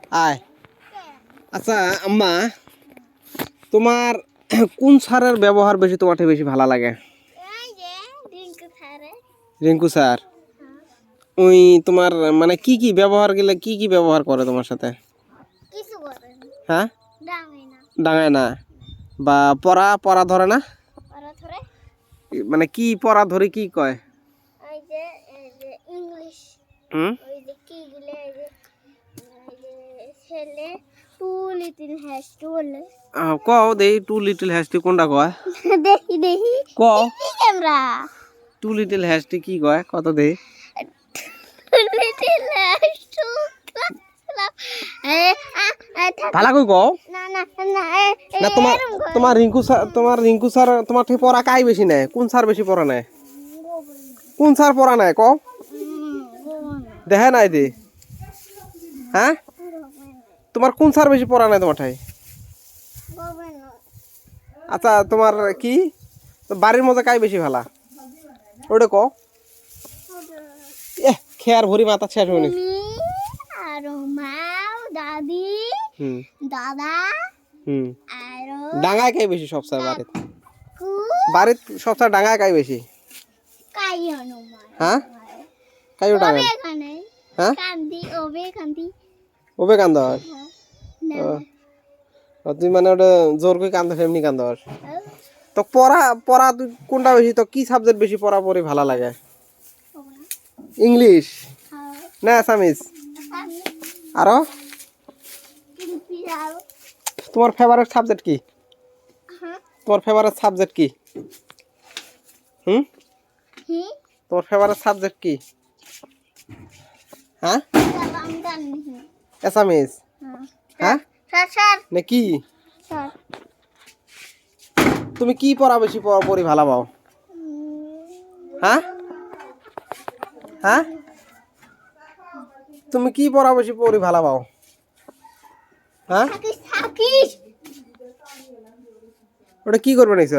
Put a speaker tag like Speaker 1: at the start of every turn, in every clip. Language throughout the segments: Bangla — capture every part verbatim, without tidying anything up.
Speaker 1: আয় আচ্ছা আম্মা তোমার কোন সারের ব্যবহার বেশি তোমার থেকে বেশি ভালো লাগে? রিঙ্কু স্যার ওই তোমার মানে কি কি ব্যবহার গেলে কি কি ব্যবহার করে তোমার সাথে? হ্যাঁ ডাঙায় না বা পড়া পড়া ধরে না মানে কি পড়া ধরে কি কয়? হুম কও দেই টু লিটল হ্যাস্টি কোনটা কয়?
Speaker 2: দেখি দেখি
Speaker 1: কও
Speaker 2: ক্যামেরা
Speaker 1: টু লিটল হ্যাস্টি কি কয় কত দেই?
Speaker 2: লিটল হ্যাস্টু
Speaker 1: ভালো কই কও
Speaker 2: না না না
Speaker 1: না তোমার তোমার রিঙ্কু স্যার তোমার রিঙ্কু স্যার তোমার থেকে পড়া কাই বেশি নেয়? কোন স্যার বেশি পড়া নেয়? কোন স্যার পড়া নেয় কও? দেখে নাই দি হ্যাঁ তোমার কোন স্যার বেশি পড়া নেয় তোমার ঠাই? আচ্ছা তোমার কি বাড়ির মধ্যে কাই বেশি ভালা ওটা কও? এ খেয়ার ভরি মাথা শেষ হয়নি।
Speaker 2: আর মা দাদি
Speaker 1: হুম
Speaker 2: দাদা
Speaker 1: হুম
Speaker 2: আর
Speaker 1: ডাঙায় কাই বেশি সব স্যার বাড়িতে? বাড়িতে সব স্যার ডাঙায় কাই বেশি?
Speaker 2: কাই হনুমান
Speaker 1: হ্যাঁ কাইও ডাঙায়
Speaker 2: এখানে
Speaker 1: হ্যাঁ
Speaker 2: কান্দি ওবে কান্দি
Speaker 1: ওবে কান্দ
Speaker 2: না
Speaker 1: তুই মানে ওটা জোর করে কান্দ এমনি কান্দ তো পড়া পড়া তুই কোনটা বেশি তো কি সাবজেক্ট বেশি পড়া পড়ি ভালো লাগে? ইংলিশ না আসামিস আরো তোমার ফেভারিট সাবজেক্ট কি? তোমার ফেভারিট সাবজেক্ট কি? হুম তোমার ফেভারিট সাবজেক্ট কি? হ্যাঁ আসামিস হ্যাঁ না কি তুমি কি পড়া বেশি পড়া পড়ি ভালো পাও? হ্যাঁ হ্যাঁ তুমি কি পড়া বেশি পড়ি ভালো পাও? হ্যাঁ ওটা কি করবে নাইছ?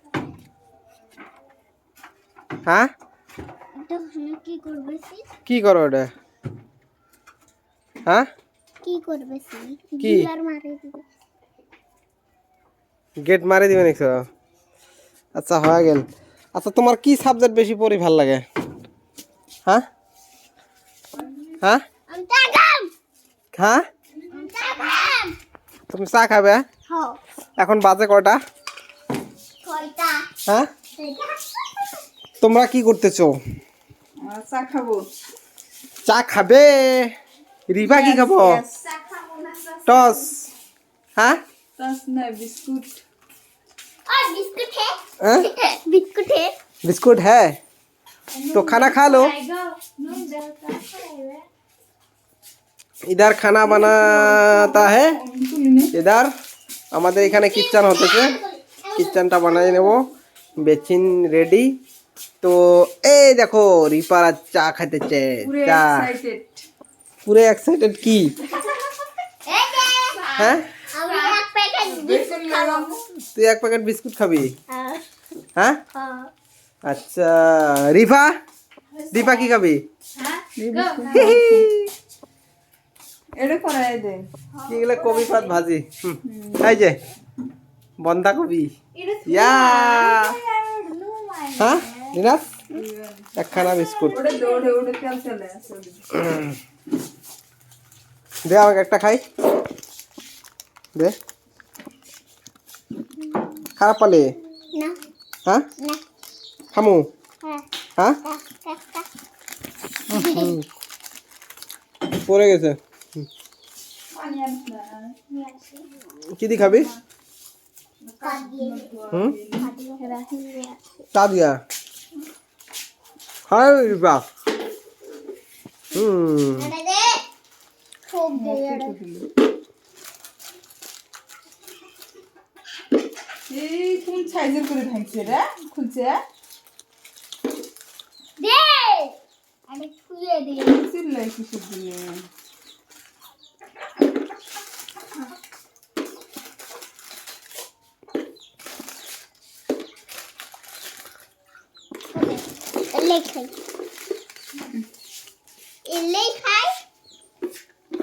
Speaker 1: হ্যাঁ কি করো ওটা? হ্যাঁ
Speaker 2: কি করবে
Speaker 1: কি গেট মারি দিবে নাইছ? আচ্ছা হয়ে গেল। আচ্ছা তোমার কি সাবজেক্ট বেশি পড়ি ভাল লাগে? হ্যাঁ হ্যাঁ হ্যাঁ তুমি চা খাবে এখন বাজে কয়টা? হ্যাঁ তোমরা কি করতেছো?
Speaker 3: চা খাবো।
Speaker 1: চা খাবে? রিবা কি খাবো? টস হ্যাঁ
Speaker 3: टस ना बिस्कुट
Speaker 2: और बिस्कुट है
Speaker 1: हाँ?
Speaker 2: बिस्कुट है
Speaker 1: बिस्कुट है तो खाना खा लो। इधर खाना बनाता है इधर আমাদের এখানে কিচেন হতেছে কিচেনটা বানাই নেব বেচিন রেডি তো এই দেখো রিপার চা খাইতেছে চা পুরো এক্সাইটেড কি হ্যাঁ তুই এক প্যাকেট বিস্কুট খাবি হ্যাঁ আচ্ছা রিফা রিফা কি খাবি
Speaker 3: এটা করাই দে
Speaker 1: কি গেলে কবি পাত ভাজি এই যে বন্ধা কবি ইয়া হ্যাঁ দিনাস একখানা বিস্কুট
Speaker 3: ওটা দৌড়ে ওটা তেল চলে আসে
Speaker 1: দে আমাকে একটা খাই দে খারাপ পালে
Speaker 2: না
Speaker 1: হ্যাঁ
Speaker 2: না
Speaker 1: খামু
Speaker 2: হ্যাঁ
Speaker 1: হ্যাঁ পড়ে গেছে কি দি খাবি হুম চা দিয়া হাই বাহ হুম
Speaker 2: খুব
Speaker 3: এই কোন সাইজের করে থাকছে রে খুলছে
Speaker 2: দে আমি খুলে দিই
Speaker 3: চিল্লাই কিসের দিনে
Speaker 2: লেখাই লেখাই